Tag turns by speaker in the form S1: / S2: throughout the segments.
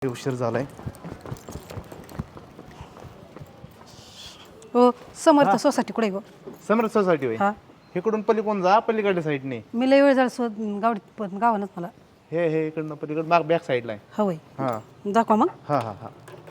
S1: उशीर झालाय.
S2: हो समर्थ सोसायटी कुठे गो?
S1: समर्थ सोसायटी होय.
S2: हा
S1: इकडून पलीकडून जा, पलीकडच्या साईडने.
S2: मी लय वेळ झाला शोध गावानच मला.
S1: हे इकडनं पलीकडे माग बॅक साईडला आहे.
S2: हवंय
S1: हां
S2: दाखवा मग.
S1: हां हां हां.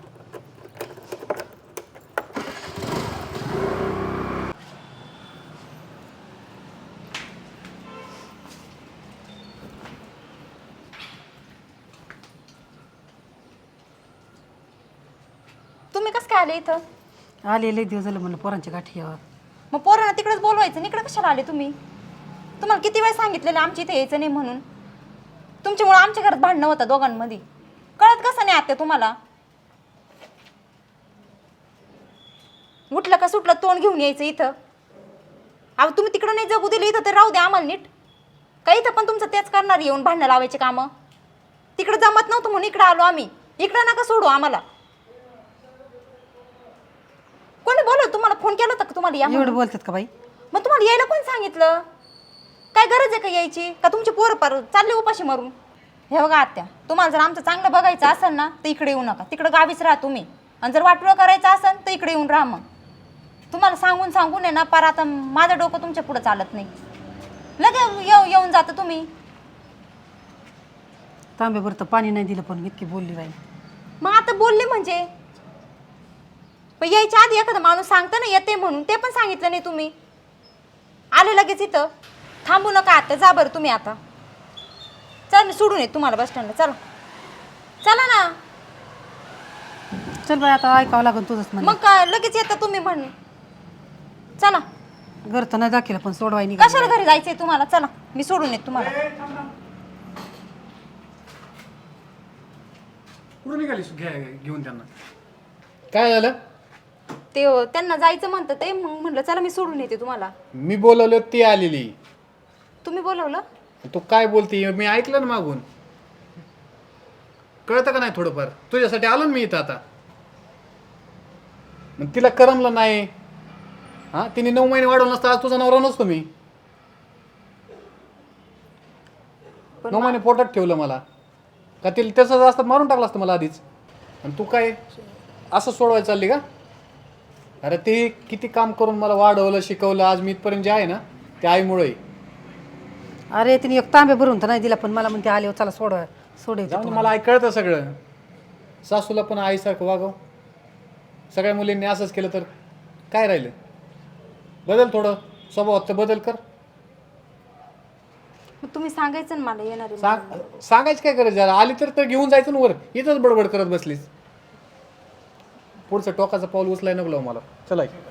S3: तुम्ही कसं काय आले इथं?
S2: आले लय दिवस झालं म्हणलं पोरांच्या गाठी यावर.
S3: मग पोरांना तिकडेच बोलवायचं, इकडे कशाला आले तुम्ही? तुम्हाला किती वेळ सांगितलेलं आमच्या इथे यायचं नाही म्हणून. तुमच्यामुळे आमच्या घरात भांडणं होतं दोघांमध्ये. कळत कसं नाही आत्या तुम्हाला? उठलं का सुटलं तोंड घेऊन यायचं इथं. अहो तुम्ही तिकडं नाही जगू दिलं, इथं तर राहू द्या आम्हाला नीट. का इथं पण तुमचं तेच करणार येऊन भांडणं लावायचे कामं? तिकडं जमत नव्हतं म्हणून इकडं आलो आम्ही. इकडं नका सोडू आम्हाला. कोणी बोलव तुम्हाला? फोन केला होता का तुम्हाला या
S2: एवढं
S3: म्हणून?
S2: बोलतात का बाई?
S3: मग तुम्हाला यायला कोण सांगितलं? काय गरज आहे का यायची? का तुमचे पोरं पार चालले उपाशी मारून? हे बघा आत्या, तुम्हाला जर आमचं चांगलं बघायचं असेल ना तर इकडे येऊ नका. तिकडे गावीच राहा तुम्ही. आणि जर वाटोळं करायचं असेल तर इकडे येऊन राहा. मग तुम्हाला सांगून सांगून आहे ना पार आता माझं डोकं तुमच्या पुढं चालत नाही. लगे येऊन जातं तुम्ही.
S2: तांब्यावर तर पाणी नाही दिलं पण इतकी बोलली बाई.
S3: मग आता बोलले म्हणजे पण यायच्या आधी एखादा माणूस सांगता ना येते म्हणून, ते पण सांगितलं नाही तुम्ही. आले लगेच इथं. थांबू नका आता, जा बरं तुम्ही आता. चल मी सोडून येते तुम्हाला बस स्टँडला. चला चला ना.
S2: चल बाई आता ऐकावं लागेल तुझंच म्हणलं.
S3: मग काय लगेच येता तुम्ही म्हणून. चला.
S2: घर तर नाही दाखिलं पण सोडवाय नाही.
S3: कशाला घरी जायचंय तुम्हाला? चला मी सोडून येते तुम्हाला.
S4: कुठं निघाली घेऊन त्यांना? काय झालं?
S3: ते त्यांना जायचं म्हणतं ते, मग म्हणलं चला मी सोडून येते तुम्हाला.
S4: मी बोलवलं ती आलेली.
S3: तुम्ही बोलवलं?
S4: तू काय बोलते? मी ऐकलं ना मागून. कळतं का नाही थोडंफार? तुझ्यासाठी आलो ना मी इथं आता. मग तिला करमलं नाही. हा, तिने 9 महिने वाढवलं नसतं आज तुझा नवरा नसतो मी. 9 महिने पोटात ठेवलं मला. का तिला त्याचं असतं मारून टाकलं असतं मला आधीच. आणि तू काय असं सोडवायला चालली का? अरे ते किती काम करून मला वाढवलं शिकवलं, आज मी इथपर्यंत जे आहे ना ते आईमुळे.
S2: अरे तिने एक तांबे भरून तर नाही दिला पण मला म्हणते आले चला सोडवायचं.
S4: जाऊन मला ऐकळतं सगळं. सासूला पण आईसारखं वागव. सगळ्या मुलींनी असंच केलं तर काय राहिलं? बदल थोडं स्वभावात तर बदल कर.
S3: मग तुम्ही सांगायचं ना मला येणार आहे.
S4: सांगायचं काय करायचं? जरा आली तर घेऊन जायचं ना वर. इथंच बडबड करत बसलीस. पुढचं टोकाचं पाऊल उचलाय नको लावू मला. चला